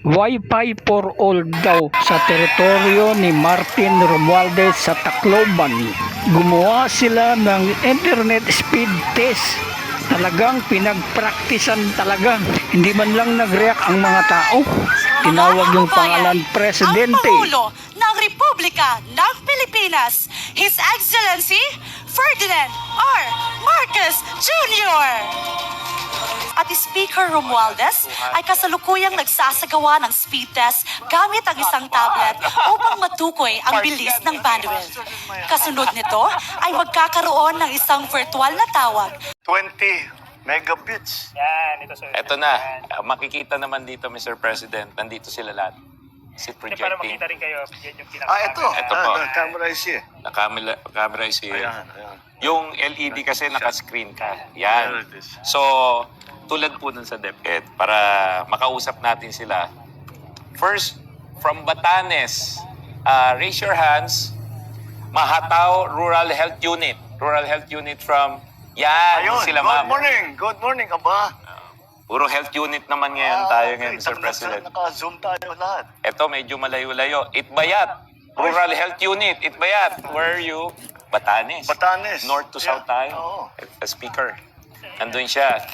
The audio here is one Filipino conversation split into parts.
Wi-Fi for all daw sa teritoryo ni Martin Romualdez sa Tacloban. Gumawa sila ng internet speed test. Talagang pinagpraktisan talaga. Hindi man lang nag-react ang mga tao. Tinawag yung pangalan Presidente. Ang Pangulo ng Republika ng Pilipinas, His Excellency Ferdinand R. Marcos Jr. At Speaker Romualdez ay kasalukuyang nagsasagawa ng speed test gamit ang isang tablet upang matukoy ang bilis ng bandwidth. Kasunod nito ay magkakaroon ng isang virtual na tawag 20 megabits. Yan, ito sir. Eto na, makikita naman dito, Mr. President, nandito sila lahat. Si Hindi, para projecting. makita rin kayo, yan yung Ito. Ito po. Camera is here. Camera is here. Ayan, ayan. Yung LED kasi naka-screen ka. There Yan. it is. So, tulad po dun sa DepEd, para makausap natin sila. First, from Batanes, raise your hands. Mahataw Rural Health Unit. Rural Health Unit from, yan, Ayun, sila good ma'am. morning. Good morning, aba. Puro health unit naman ngayon tayo ngayon, Mr. President. Naka-zoom tayo lahat. Ito, medyo malayo-layo. Itbayat. Rural Health Unit. Itbayat. Where are you? Batanes. Batanes. North to south Yeah. tayo. Oo. Speaker. Nandun siya.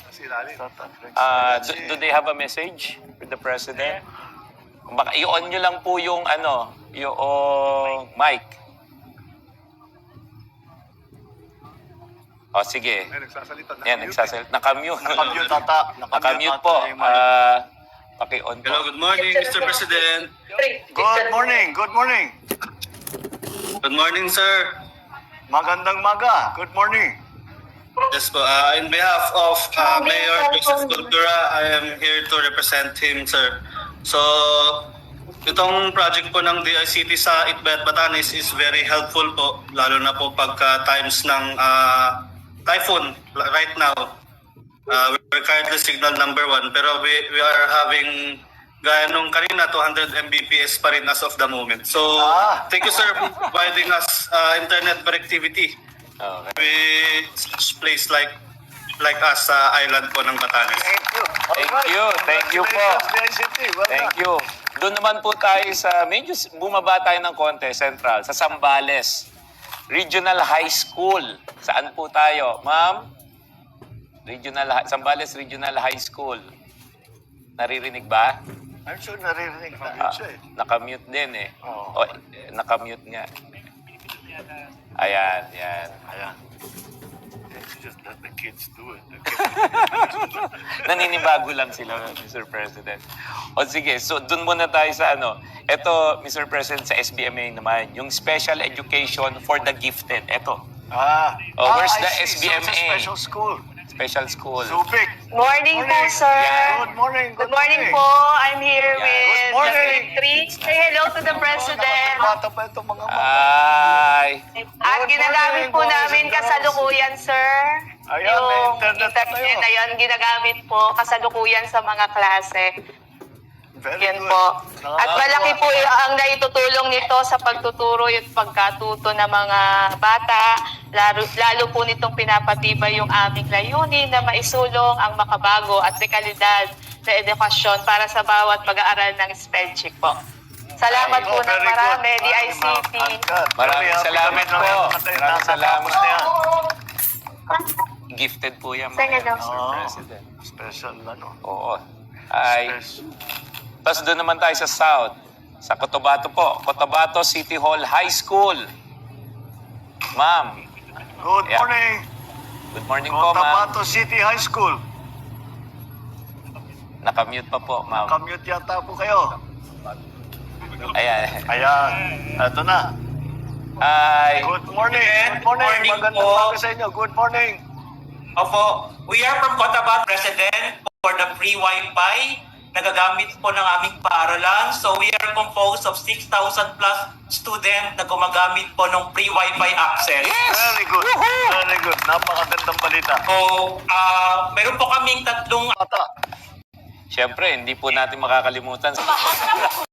Do they have a message with the President? Baka i-on nyo lang po yung yung mic. O, sige. Nagsasalita. Yan, nagsasalit. Nakamute. Nakamute ata. Nakamute po. Paki-on po. Hello, good morning, Mr. President. Good morning. Good morning. Good morning, sir. Magandang maga. Good morning. Yes po, in behalf of Mayor Joseph Cultura, I am here to represent him, sir. So, itong project po ng DICT sa Itbayat, Batanes is very helpful po, lalo na po pagka times ng typhoon right now. We're currently signal number 1, pero we are having gaya nung kanina, 200 Mbps pa rin as of the moment. So, thank you, sir, for providing us internet connectivity Okay. with such place like us sa island po ng Batanes. Thank you. Thank you. Thank you po. DICT. Well Thank done. you. Doon naman po tayo sa, medyo bumaba tayo ng konti, Central, sa Zambales. Regional High School. Saan po tayo? Ma'am? Zambales Regional High School. Naririnig ba? I'm sure naririnig na yun siya eh. Nakamute din eh. Oo. Nakamute nga. Ayan, yan. Ayan. It's just let the kids do it. Naninibago lang sila, Mr. President. O sige, so dun muna tayo sa Ito, Mr. President, sa SBMA naman, yung Special Education for the Gifted. Ito, where's the I see. So it's a SBMA? special school. Special school. Subic. Morning po, sir. Yeah. Good morning. Good morning po. I'm here Yeah. with Good morning. the 3. Say hello to the President. Bata pa itong mga Ay, At Good ginagamit morning, po boys namin and girls. kasalukuyan, sir. Ayan, yung may internet na internet kayo. na yun, ginagamit po kasalukuyan sa mga klase. Very Yan good. po. At Nakakatuwa. malaki po ang naitutulong nito sa pagtuturo at pagkatuto ng mga bata. Lalo po nitong pinapatibay yung aming layunin na maisulong ang makabago at dekalidad na edukasyon para sa bawat pag-aaral ng spellcheck po. Salamat po ng Very good. marami, Ay, DICT. ma'am, Angkat. Maraming Very happy salamat kami na po. natin Maraming nasa salamat. campus na yan. gifted po yan, Sige daw. Mr. Oo. President. Special Oo. Ay, Special. tapos doon naman tayo sa South. Sa Cotabato po. Cotabato City Hall High School. Ma'am, Good Yeah. morning. good morning po, ma'am. Cotabato City High School. Nakamute pa po, ma'am. Commute yata po kayo. Ayan. Ayan. Ito na. Ay, Good morning. Good morning. Morning Magandang po. umaga sa inyo. Good morning. Opo, we are from Cotabato President for the free Wi-Fi na gagamit po ng aming paaralan. So we are composed of 6,000 plus student na gumagamit po ng free Wi-Fi access. Very good. Very good. Napakagandang balita. So, meron po kaming tatlong Bata. syempre, hindi po natin makakalimutan.